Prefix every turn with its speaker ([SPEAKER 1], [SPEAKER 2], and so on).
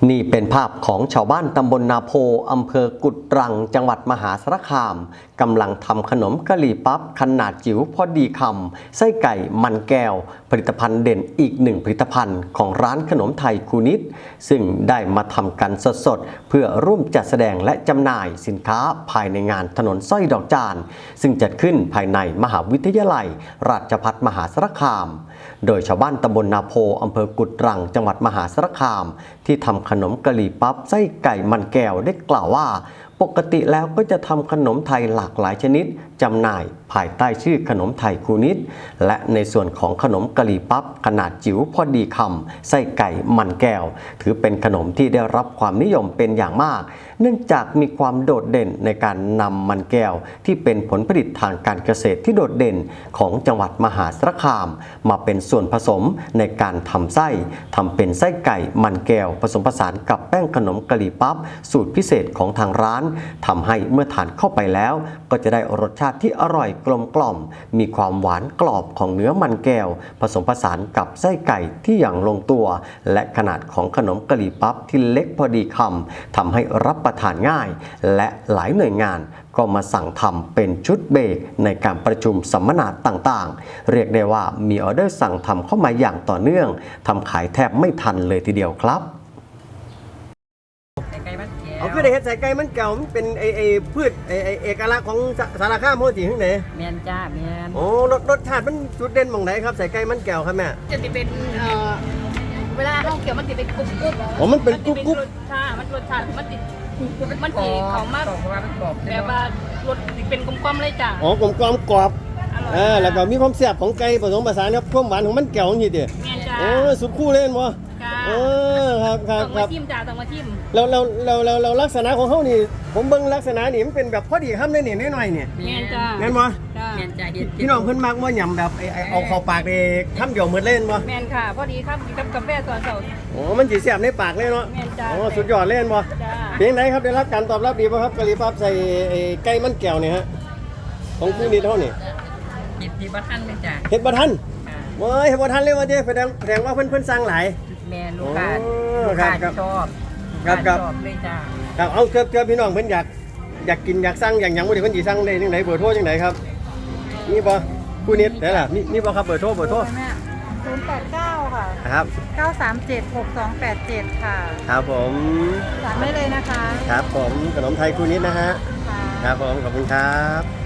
[SPEAKER 1] นี่เป็นภาพของชาวบ้านตำบลนาโพอำเภอกุดรังจังหวัดมหาสารคามกำลังทำขนมกะหรี่ปั๊บขนาดจิ๋วพอดีคำไส้ไก่มันแก้วผลิตภัณฑ์เด่นอีกหนึ่งผลิตภัณฑ์ของร้านขนมไทยคูนิดซึ่งได้มาทำกันสดๆเพื่อร่วมจัดแสดงและจำหน่ายสินค้าภายในงานถนนสร้อยดอกจานซึ่งจัดขึ้นภายในมหาวิทยาลัยราชภัฏมหาสารคามโดยชาวบ้านตำบลนาโพอำเภอกุดรังจังหวัดมหาสารคามที่ทำขนมกะหรี่ปั๊บไส้ไก่มันแก้วได้กล่าวว่าปกติแล้วก็จะทำขนมไทยหลากหลายชนิดจำหน่ายภายใต้ชื่อขนมไทยคูนิดและในส่วนของขนมกะหรี่ปั๊บขนาดจิ๋วพอดีคำไส้ไก่มันแก้วถือเป็นขนมที่ได้รับความนิยมเป็นอย่างมากเนื่องจากมีความโดดเด่นในการนำมันแก้วที่เป็นผลผลิตทางการเกษตรที่โดดเด่นของจังหวัดมหาสารคามมาเป็นส่วนผสมในการทำไส้ทำเป็นไส้ไก่มันแก้วผสมผสานกับแป้งขนมกะหรี่ปั๊บสูตรพิเศษของทางร้านทำให้เมื่อทานเข้าไปแล้วก็จะได้รสชาติที่อร่อยกลมกล่อมมีความหวานกรอบของเนื้อมันแก้วผสมผสานกับไส้ไก่ที่อย่างลงตัวและขนาดของขนมกะหรี่ปั๊บที่เล็กพอดีคำทำให้รับประทานง่ายและหลายหน่วยงานก็มาสั่งทำเป็นชุดเบรกในการประชุมสัมมนาต่างๆเรียกได้ว่ามีออเดอร์สั่งทำเข้ามาอย่างต่อเนื่องทำขายแทบไม่ทันเลยทีเดียวครับ
[SPEAKER 2] เอาคือได้เห็ดใส่ไก่มันเก่ามันเป็นพืชเอกลักษณ์ของสารคามโมจิที่ไหน
[SPEAKER 3] แมนจ้าแมน
[SPEAKER 2] โอ้รสชาติมันจุดเด่นมองไหนครับใส่ไก่มันแก้วครับแม่
[SPEAKER 3] จะเป็นเวลาข้าวเขียวมันติดเป็นกรุบกรุบ
[SPEAKER 2] อ๋อมันเป็นกรุบกรุบ
[SPEAKER 3] ใช่มันรสชาติมันติดมันติดเขามากแบบว่ารสติดเป็นกลมๆเลยจ้า
[SPEAKER 2] อ๋อกลมกรอบแล้วก็มีความแซ่บของไก่ผสมผสานครับความหวานของมันแก้วนี่ดิ
[SPEAKER 3] แมนจ้า
[SPEAKER 2] โอ้สุดคู่เล่นวะครับ
[SPEAKER 3] ต้องมาชิมจ้าต้องมาชิม
[SPEAKER 2] เราลักษณะของเขานี่ผมเบิ่งลักษณะนี่มันเป็นแบบพอดีคำเลยนี่น้อยๆเนี่ย
[SPEAKER 3] แมนจ้า
[SPEAKER 2] แม่นบ่
[SPEAKER 3] แมนจ้า
[SPEAKER 2] พี่น้องเพิ่นมักว่าหยำแบบเอาเข้าปากเลยคำเดียวหมดเล่นบ่
[SPEAKER 3] แมนค่ะพอดีครับกับกาแฟตอนเช้า
[SPEAKER 2] โอ้มันสิแซ่บในปากเลยเนาะ
[SPEAKER 3] แมนจ้า
[SPEAKER 2] โอ้สุดยอดเล่นบ่เพียงไหนครับได้รับการตอบรับดีป่ะครับกะหรี่ปั๊บใส่ไก่มันแก้วเนี่ยฮะของคู่นี้เท่านี่
[SPEAKER 3] เห็ดบ่ทันเลยจ้า
[SPEAKER 2] เห็ดบ่ทันเว้ยเห็ดบ่ทันเลยว่าเด้แสดงว่าเพิ่นสั่งหลาย
[SPEAKER 3] แมนลูกค้าชอบเลยจ้า
[SPEAKER 2] ครับเอาเกือบพี่น้องเพิ่นอยากกินอยากสั่งอย่างบ่ได้เพิ่นสิสั่งได้จังได๋เบอร์โทรจังได๋ครับมีบ่คู่นี้ได้ล่ะมีบ่ครับเบอร์โทร
[SPEAKER 4] 089 ค่ะ
[SPEAKER 2] ครับ
[SPEAKER 4] 937 6287 ค่ะ
[SPEAKER 2] ครับผม
[SPEAKER 4] สั่งได้เลยนะคะ
[SPEAKER 2] ครับผมขนมไทยคู่นี้นะฮะครับผมขอบคุณครับ